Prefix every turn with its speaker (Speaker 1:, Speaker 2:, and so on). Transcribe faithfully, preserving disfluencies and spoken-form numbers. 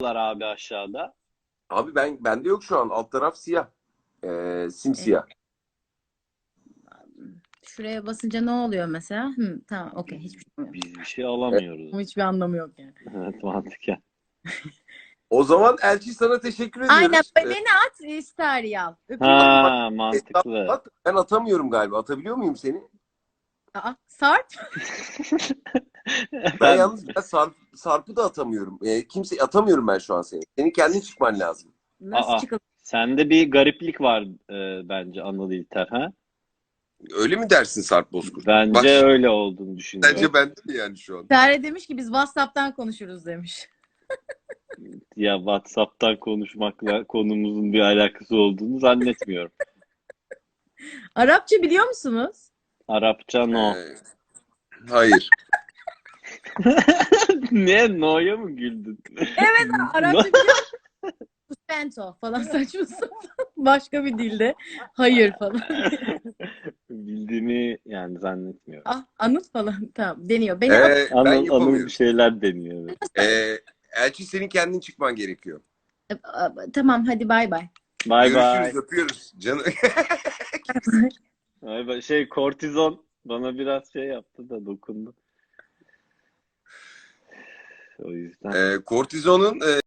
Speaker 1: abi aşağıda.
Speaker 2: Abi ben bende yok şu an. Alt taraf siyah. Ee, simsiyah.
Speaker 3: Şuraya basınca ne oluyor mesela? Hı, tamam, okey.
Speaker 1: Biz,
Speaker 3: Hiçbir şey yok.
Speaker 1: biz bir şey alamıyoruz.
Speaker 3: Ama hiçbir anlamı yok yani.
Speaker 1: Evet, mantıken.
Speaker 2: O zaman Elçi sana teşekkür
Speaker 3: Aynen,
Speaker 2: ediyoruz. Ee,
Speaker 3: beni at, ister al. Öpüyorum.
Speaker 1: Ha,
Speaker 2: hesap
Speaker 1: mantıklı.
Speaker 2: at. Ben atamıyorum galiba. Atabiliyor muyum seni?
Speaker 3: Aa, Sarp.
Speaker 2: Ben
Speaker 1: Ben
Speaker 2: yalnız ben Sarp, Sarp'ı da atamıyorum. Ee, kimse atamıyorum ben şu an seni. Senin kendin çıkman lazım.
Speaker 3: Nasıl
Speaker 1: Aa,
Speaker 3: çıkalım?
Speaker 1: sende bir gariplik var e, bence Anıl İlter, ha?
Speaker 2: Öyle mi dersin Sarp Bozkurt?
Speaker 1: Bence
Speaker 2: Bak,
Speaker 1: öyle olduğunu düşünüyorum.
Speaker 2: bence bende mi yani şu an?
Speaker 3: Sare demiş ki biz WhatsApp'tan konuşuruz demiş.
Speaker 1: Ya WhatsApp'tan konuşmakla konumuzun bir alakası olduğunu zannetmiyorum.
Speaker 3: Arapça biliyor musunuz?
Speaker 1: Arapça no.
Speaker 2: Ee, hayır.
Speaker 1: Ne? No'ya mı güldün?
Speaker 3: Evet, Arapça
Speaker 1: No.
Speaker 3: biliyor musunuz? Sento falan saçma sapan. Başka bir dilde. Hayır falan.
Speaker 1: Bildiğini yani zannetmiyorum.
Speaker 3: Ah, Anıt falan. Tamam, deniyor. Beni at.
Speaker 2: Ee, ben
Speaker 1: Anıl, Anıl bir
Speaker 2: yapamıyorum.
Speaker 1: şeyler deniyor. Evet.
Speaker 2: Ee, Elçi senin kendin çıkman gerekiyor.
Speaker 3: Tamam, hadi bay bay.
Speaker 1: Bay bay.
Speaker 2: Görüşürüz, öpüyoruz. Canım.
Speaker 1: Bay bay. Şey, kortizon bana biraz şey yaptı da dokundu. O yüzden.
Speaker 2: Ee, kortizonun e,